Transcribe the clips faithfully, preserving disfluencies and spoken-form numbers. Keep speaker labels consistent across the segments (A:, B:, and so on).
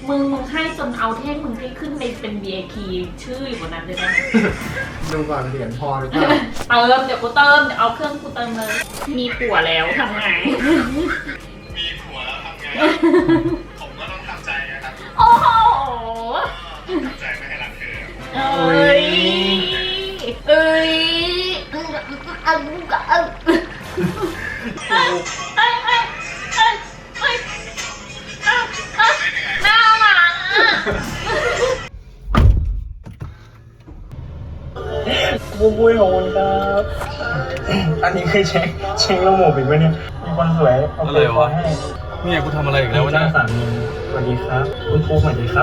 A: มึงมึงให้จนเอาเท่งมึงให้ขึ้นไปเป็น วี ไอ พี ชื่ออยู่บนนั้นเลยได้ไหม
B: ดูก่อนเหรียญพอหรือเปล่า
A: เติมเดี๋ยวกูเติมเดี๋ยวเอาเครื่องกูเติมเลยมีผัวแล้วทำไง
C: มีผัวแล้วทำไงผมก็ต้องทำใจนะครับ
A: โอ้โห
C: ต้องทำใจไม่ให้รักเธอ
A: เอ้ยเอ้ยเอ้ยเอ้ยเอ้ยเอ้ยเอ้ยเอ้ยเอ้ยเอ้ยน่ารักอ่ะ
D: บุ้ยบุ้ยของคุณครับ อันนี้คือเช็คเช็คระบบอีกไหมเนี่ย มีคนสวยเอาไปขอให้
E: เนี่ยกูทำอะไรอีกแล้ววะ
D: จ้า
E: เนี่ย
D: สามีสวัสดีครับ คุณครูสวัสดีครับ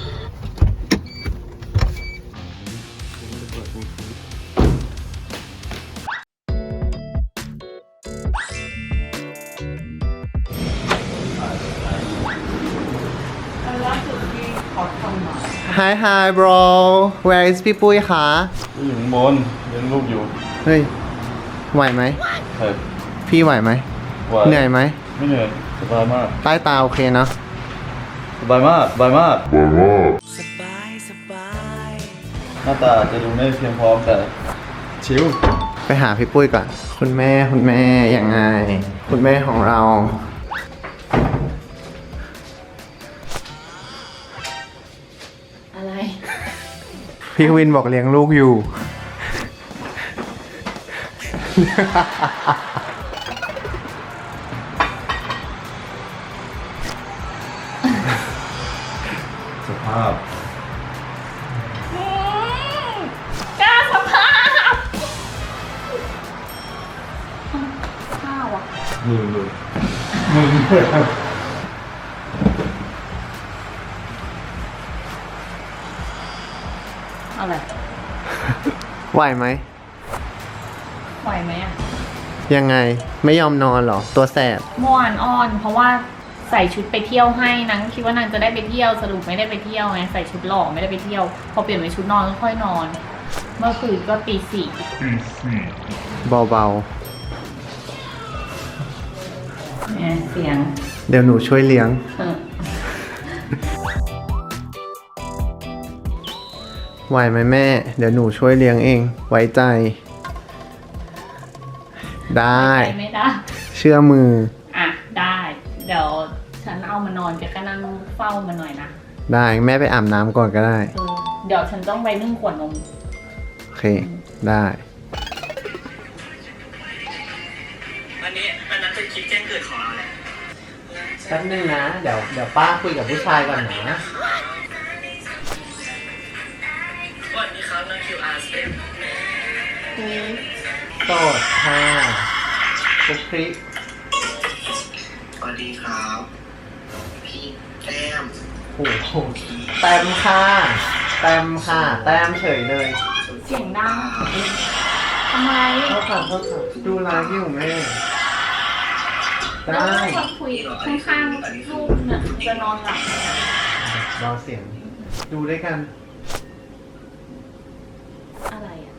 B: Hi Hi bro Where is พี่ปุ้ยคะ
E: อยู่ข้างบนเลี้ยงลูกอยู่
B: เฮ้ยไหวไหม
E: เฮ้ย
B: พี่ไหวไหม
E: ว่า
B: เหนื่อยไหม
E: ไม่เหนื่อยสบายมาก
B: ใต้ตาโอเคเนาะ
E: สบายมากสบายมาก
F: สบายสบาย
E: หน้าตาจะดูไม่เพียงพร้อมแต่ชิว
B: ไปหาพี่ปุ้ยก่อน คุณแม่คุณแม่ยังไง คุณแม่ของเรา
A: อะไร
B: พี่วินบอกเลี้ยงลูกอยู่
E: สภาพ
A: กล้าสภาพข้าวอ่ะ
E: มือมือ
A: อะไร
B: ไหวไหม
A: ไหวไหมอ่ะ
B: ยังไงไม่ยอมนอนเหรอ ตัวแสบ
A: เมื่อวานอ้อน เพราะว่าใส่ชุดไปเที่ยวให้นางคิดว่านางจะได้ไปเที่ยวสรุปไม่ได้ไปเที่ยวไงใส่ชุดหล่อไม่ได้ไปเที่ยว พอเปลี่ยนเป็นชุดนอนก็ค่อยนอน เมื่อคืนก็ตีสี่
B: เบา
A: เนี่ยเสียง
B: ๆ เดี๋ยวหนูช่วยเลี้ยง
A: เออ
B: ไหวไหมแม่ เดี๋ยวหนูช่วยเลี้ยงเอง ไว้ใจ ได้
A: ไปไม่ได้
B: เชื่อมือ
A: อ่ะได้ เดี๋ยวฉันเอามานอนแกก็นั่งเฝ้ามันหน่อยนะ
B: ได้แม่ไปอาบน้ำก่อนก็ได้
A: เออเดี๋ยวฉันต้องไปนึ่งขวดนม
B: โอเค ได้
C: อันนี้อันนั้นเป็นคลิปแจ้งเกิดของเราแหละ
B: แป๊บนึงนะ เดี๋ยวเดี๋ยวป้าคุยกับผู้ชายก่อนนะ
C: สวัสดีครับน้องคิวอาร์เซฟ
B: โสดค่ะคุกคลิก
C: สวัสดีครับ พี่แต้ม
B: โอ้โหแต้มค่ะแต้มค่ะ แต้มเฉยเลย
A: เสียงดังทำไม
B: เขาขับเขาขับดูไลฟ์อยู่แม่
A: แล้ว
B: ได้
A: คนคุยข้างๆลูกเนี่ยจะนอนหลับ
B: รอเสียง ดูด้วยกัน
A: อะไรอ่ะ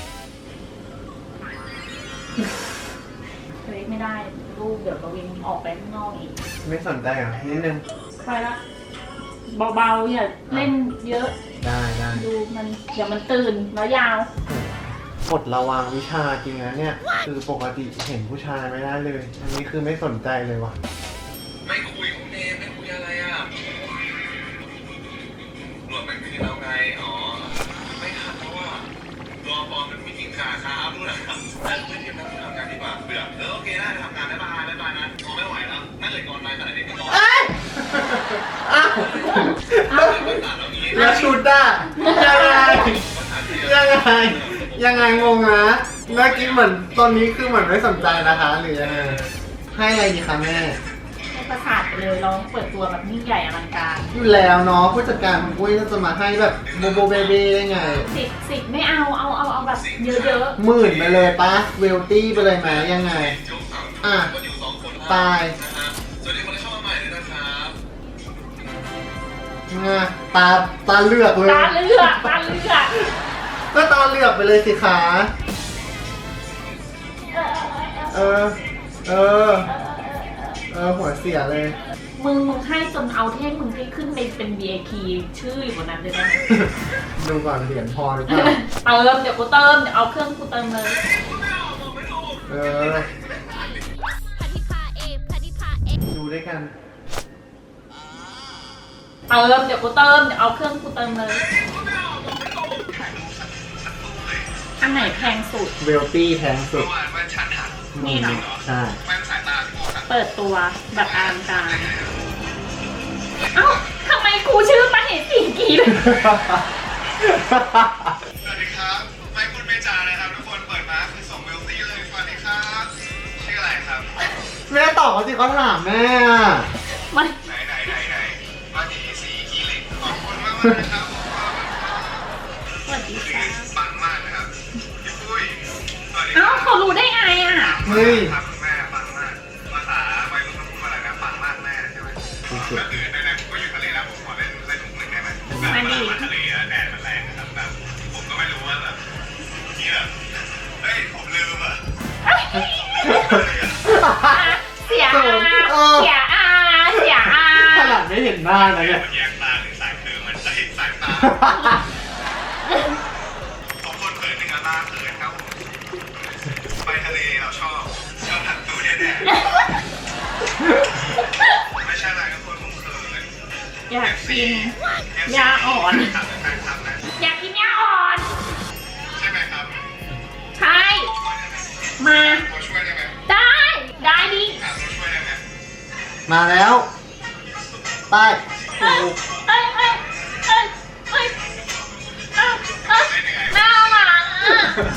A: เฮ้ยไม่ได้ลูกเดี๋ยวกวินออกไปข้างนอกอีก
B: ไม่สนใจเหรอนิดนึง
A: ไปละเบาๆอย่าเล่นเยอะ
B: ได้ได้
A: ดูมันเดี๋ยวมันตื่นแล้วยาว
B: กดระวังวิชาจริงนะเนี่ย คือปกติเห็นผู้ชายไม่ได้เลย อันนี้คือไม่สนใจเลยว่ะ
C: ไม่คุยคุณเอมไม่คุยอะไรอ่ะรวมเป็นคืนแล้วไง อ๋อ ไม่ทันเพราะว่ารอปอมันมีกินขาค้าด้วยนะครับแต่ไม่ทีมทำงานดีกว่าเบื่อเออโอเคได้ทำงานได้บายได้บายนะพอไม่ไหวแล้วนั่นเลยก่อนไปขนาดนี้ก็ก่อน
B: อ้าว
C: ไม่ตัดแล้วนี้
B: แล้วชุดอ่ะยังไง ยังไง ยังไงงงนะเมื่อกี้เหมือนตอนนี้คือเหมือนไม่สนใจนะคะ หรือยังไง ให้อะไรดีคะแม่
A: ให้ประสาทไปเลยเราเปิดตัวแบบยิ่งใหญ่อลังการ
B: อยู่แล้วเนาะผู้จัดการของปุ้ยก็จะมาให้แบบโบโบเบเบ้ได้ไง
A: สิบสิบไม่เอาเอาเอาเอาแบบเยอะ
B: หมื่นไปเลยปะเวลตี้ไปเลยไหมยังไง อ่ะ ตาย
C: สวัสดีคนที่เข้ามาใหม่ด้วยนะครับ
B: งะตาตาเลือกเล
A: ๆ
B: ย
A: ตาเลือกตาเลือก
B: ก็ตาเลือกไปเลยสิคะเออ เออเออหัวเสียเลย
A: มึงมึงให้จนเอาเท่งมึงให้ขึ้นไปเป็น วี ไอ พี ชื่ออยู่บนนั้นเลยได้ไหม
B: ดูก่อนเหรียญพอหรือเปล่า
A: เติมเดี๋ยวกูเติมเดี๋ยวเอาเครื่องกูเติมเลย
B: เออ ดูด้วยกัน
A: เติมเดี๋ยวกูเติมเดี๋ยวเอาเครื่องกูเติมเลย อันไหนแพงสุด
B: เวลตี้แพงสุด
C: เมื่อวานแว่นฉันหัก
A: นี่เหรอ
B: ใช่
C: แว่นสายตาที่หัก
A: เปิดตัวแบบอลังการ เอ้าทำไมกูชื่อมาเห็นสีกีเลย
C: สวัสดีครับ ไม่พูดไม่จาเลยครับทุกคน เปิดมาคือส่งเวลตี้เลย สวัสดีครับ ชื่ออะไรครับ
B: แม่ตอบเขาสิเขาถามแม่อะ
A: มัน
C: ไหนไหนไหนไหนมาดีสีขี้เหล็กขอบคุณมากเลยนะครับ
A: สวัสดีค่ะ
C: ปังมากนะครับพี่ปุ้ยสวัสดีค
A: เอ้า
C: รับ
A: เขารู้ได้ไงอ่ะ
B: เฮ้ย
C: ครับคุณแม่ปังมากภาษาวัยรุ่นเขาพูดว่าอะไรนะปังมากแม่ใช่ไหมก็คือในๆผมก็อยู่ทะเลแล้วผมขอเล่นเล่นมุกหนึ่งได้ไหมแบบเวลามาทะเลอะแดดมันแรงนะครับแบบผมก็ไม่รู้ว่าแบบที่แบบเฮ้ยผมลืมอ่ะ
A: เสียอาเสียอาเสียอา
B: ขนาดไม่เห็นหน้านะเนี่ย
C: มันแยงตาหรือสายคือมันจะเห็นสายตาขอบคนเขินหนึ่งอะตาเขินครับผมไปทะเลเราชอบชอบหันตัวเนี่ยแน่ไม่ใช่อะไรก็คนผมเขิน
A: อยากกินยาอ่อน อยากกินยาอ่อน
C: ใช่ไหมครับ
A: ใช่ มา
C: ตัวช่วยได้ไหม
A: ได้ ได้ดิ
C: หาตัวช่วยได้ไหม
B: มาแล้วไป
A: เอ้ยเอ้ยเอ้ยเอ้ยเอ้ยเอ้ยเอ้ยน่ารักอ่ะ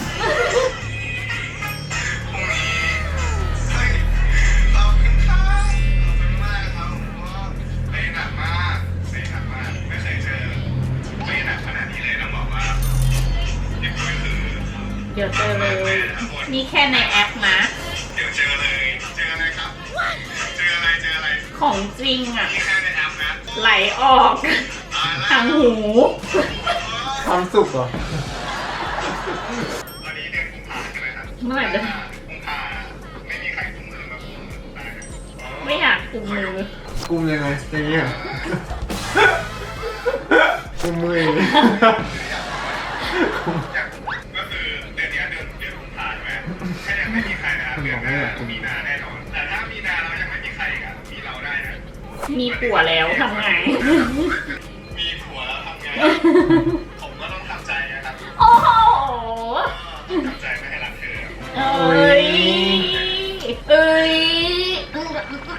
C: พรุ่งนี้เฮ้ยขอบคุณครับขอบคุณมากครับผมว่าเล่นหนักมากเล่นหนักมากไม่เคยเจอเล่นหนักขนาดนี้เลยต้องบอกว่าเด็กก็คือ
A: เดี๋ยวเจอเลย นี่แค่ในแอปนะ
C: เดี๋ยวเจอเลย เจออะไรครับ เจออะไร เจออะไร
A: ของจริงอ่ะ
C: นี่แค่ในแอปนะ
A: ไหลออก
C: ตายแล้ว
A: ทางหู
B: ความสุขเหรอ
C: ตอนนี้เดือนกุมภาใช่ไหมครับ
A: เมื่อไหร่จะ
C: กุมภาไม่มีใครกุมมือมากุมมือตายนะ
A: ไม่อยากกุมมือ
B: กุมยังไงอย่างเงี้ยกุมมืออย่างงี้
C: อยากก็คือเดือนนี้เดือนเดือนกุมภาใช่ไหมถ้ายังไม่มีใครนะครับเดือนหน้ามีนาแน่นอน แต่ถ้ามีนาเรายังไม่มีใครอีกอ่ะมีเราได้นะ
A: มีผัวแล้วทำไง
C: มีผัวแล้วทำไง ผมก็ต้องทำใจนะครับ
A: โอ้โห
C: ต้องทำใจไม่ให้รักเธอ
A: เอ้ย เอ้ยเอ้ย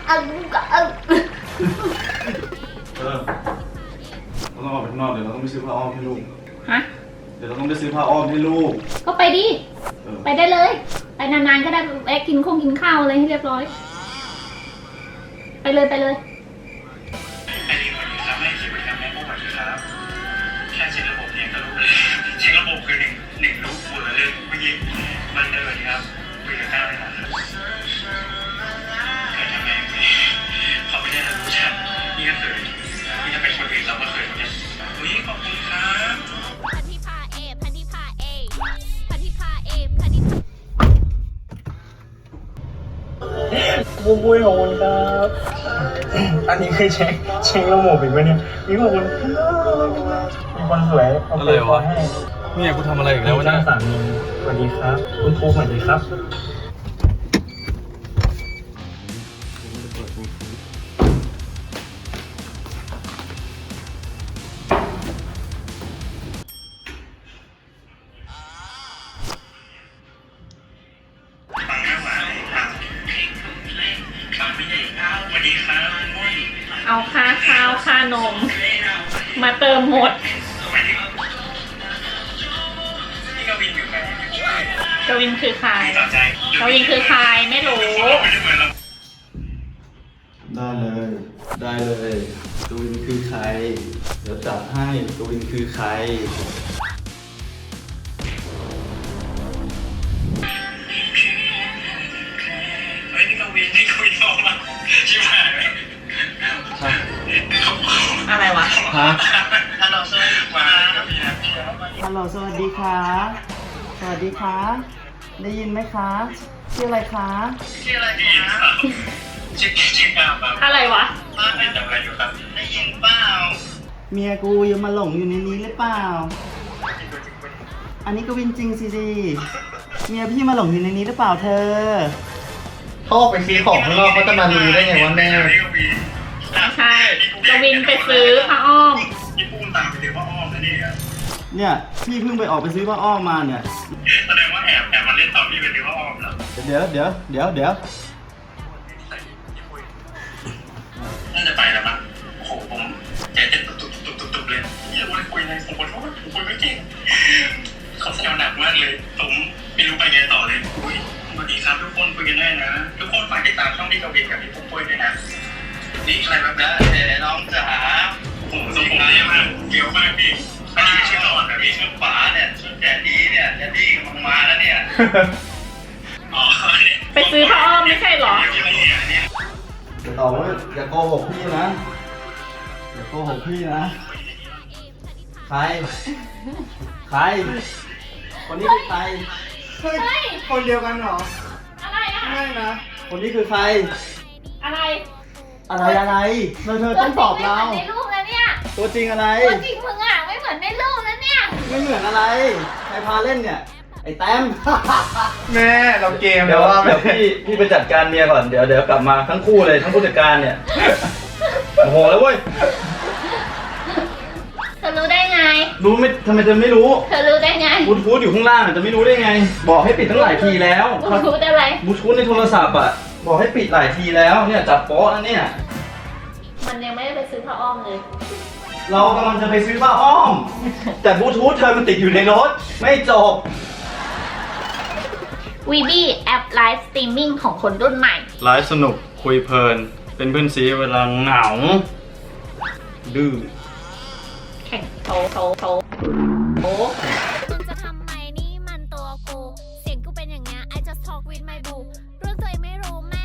E: เออเราต้องออกไปข้างนอกเดี๋ยวเราต้องไปซื้อผ้าอ้อมให้ลูก
A: ฮะ
E: เดี๋ยวเราต้องไปซื้อผ้าอ้อมให้ลูก
A: ก็ไปดิ
E: เออ
A: ไปได้เลย ไปนานๆก็ได้แวะกินคงกินข้าวอะไรให้เรียบร้อย ไปเลยไปเลย
C: ไอ้นี่คนนี้ทำให้ชีวิตทำให้พวกมันครับแค่เช็คระบบเองก็รู้เลยเช็คระบบคือหนึ่งหนึ่งรู้ฝุ่นเลยเมื่อกี้มันเดินครับคุยกับข้าวไม่นานครับเกิดทำไมเขาไม่ได้รู้ชัดนี่ก็เคยนี่ถ้าเป็นคนอื่นเราก็เคยเหมือนกันอุ้ยขอบคุณครับ
G: พันธิพาเอพันธิพาเอพันธิพาเอพันธิพา
D: บุ้ยบุ้ยขอบคุณครับ อันนี้คือเช็คเช็คระบบอีกไหมเนี่ยมีขอบคุณครับมีคนสวยเอาไปขอให้
E: เนี่ยกูทำอะไรอีกแล้ว
D: จ้าสามีสวัสดีครับ คุณครูสวัสดีครับ
C: ฟังไม่ไหวครับฟังไม่ได้ครับสวัสดีครับมุ้ย
A: เอาค่าข้าวค่านม มาเติมหมด
C: สวัสดีครับนี่กวินอยู่ไหน
A: กวินคือใคร
C: ต่อใจ
A: กวินคือใครไม่รู้
C: ไม่ได้เหมือนเรา
E: ได้เลย ได้เลยกวินคือใคร เดี๋ยวจัดให้กวินคือใคร
C: เฮ้ยนี่กวินนี่กวินโทรมาชิบหายเลย
A: อะไรวะ
E: ฮะ
C: ฮัลโหลสวัสดีครับพี่นะพี่นะ
H: ฮัลโหลสวัสดีค่ะ สวัสดีค่ะ ได้ยินไหมคะ ชื่ออะไรคะ
C: ชื่ออะไรดีครับ
D: ชิคชิคครับครับ
A: อะไรวะ
D: บ้านเป็นทำอะไรอยู่ครับได้ยินเปล่า
H: เมียกูยังมาหลงอยู่ในนี้หรือเปล่า อันนี้ก็วินจริงสิดิเมียพี่มาหลงอยู่ในนี้หรือเปล่าเธอ
B: เขาออกไปซื้อของข้างนอกเขาจะมารู้ได้ไงว่าแม่
A: ไม่ใช่กวินไปซื้อผ้าอ้อม
D: พี่ปุ้มตามไปซื้อผ้าอ้อมนะเนี่ย
H: เนี่ยพี่เพิ่งไปออกไปซื้อผ้าอ้อมมาเนี่ย
D: แสดงว่าแอบแอบมาเล่นตอนพี่ไปซื้อผ้าอ้อมเหรอ
H: เดี๋ยวเดี๋ยวเดี๋ยวเดี๋ยว
D: น่าจะไปแล้วมั้งโอ้โหผมใจเต้นตุบตุบตุบตุบตุบเลยอย่าคุยเลยผมขอโทษผมคุยไม่เก่งเขาแซวหนักมากเลยผมไม่รู้ไปไงต่อเลยอุ้ยสวัสดีครับทุกคนคุยกันได้นะทุกคนฝากติดตามช่องพี่กวินกับพี่ปุ้มปุ้ยด้วยนะนี่ใครแบบนั้นแต่น้องจ๋าโอ้โหทรงผมดีมากเกี่ยวมากพี่อันนี้ชื่อหลอดนะพี่ชื่อป๋าเนี่ยชื่อแดดดี้เนี่ยแดดดี้กำลังมาแล้วเนี่ยอ๋อ
A: ไปซื้อผ้าอ้อมไม่ใช่เหรอ
H: จะตอบว่าอย่าโกหกพี่นะ อย่าโกหกพี่นะ ใคร ใคร คนนี้คือใคร
B: เฮ้ย คนเดียวกันเหรอ
A: อะไรอะ
B: ไม่นะ
H: คนนี้คือใคร
A: อะไร
H: อะไรอะไรเธอเธอต้องตอบเรา
G: ในรูปแล้วเนี่ย
H: ตัวจริงอะไร
G: ตัวจริงมึงอ่ะไม่เหมือนในรูปแล้วเนี่ย
H: ไม่เหมือนอะไร ใครพาเล่นเนี่ย ไอ้แต้ม
B: แม่เราเกม
E: เดี๋ยว
B: ว่า
E: เดี๋ยวพี่พี่ไปจัดการเมียก่อนเดี๋ยวเดี๋ยวกลับมาทั้งคู่เลยทั้งผู้จัดการเนี่ยโอ้โหแล้วเว้ย
G: เธอรู้ได้ไง
E: รู้ไม่ทำไมจะไม่รู้
G: เธอรู้ได้ไง
E: บลูทูธอยู่ข้างล่างอะจะไม่รู้ได้ไง บอกให้ปิดตั้งหลายทีแล้ว
G: บลูทูธอะไร
E: บลูทูธในโทรศัพท์อ่ะบอกให้ปิดหลายทีแล้วเนี่ยจับโป๊ะแล้วเนี่ย
G: มันยังไม่ได้ไปซื้อผ้าอ้อมเลย
E: เรากำลังจะไปซื้อผ้าอ้อม แต่บลูทูธเธอมันติดอยู่ในรถไม่จบ
G: วีบีแอปไลฟ์สตรีมมิ่งของคนรุ่นใหม่
E: ไลฟ์สนุกคุยเพลิน เป็นเพื่อนซีเวลาเหงา ดื้อ
G: แข่งโตโตโตโตมึงจะทำไมนี่มันตัวกู เสียงกูเป็นอย่างเงี้ย I just talk with my boo เรื่องตัวเองไม่รู้แม่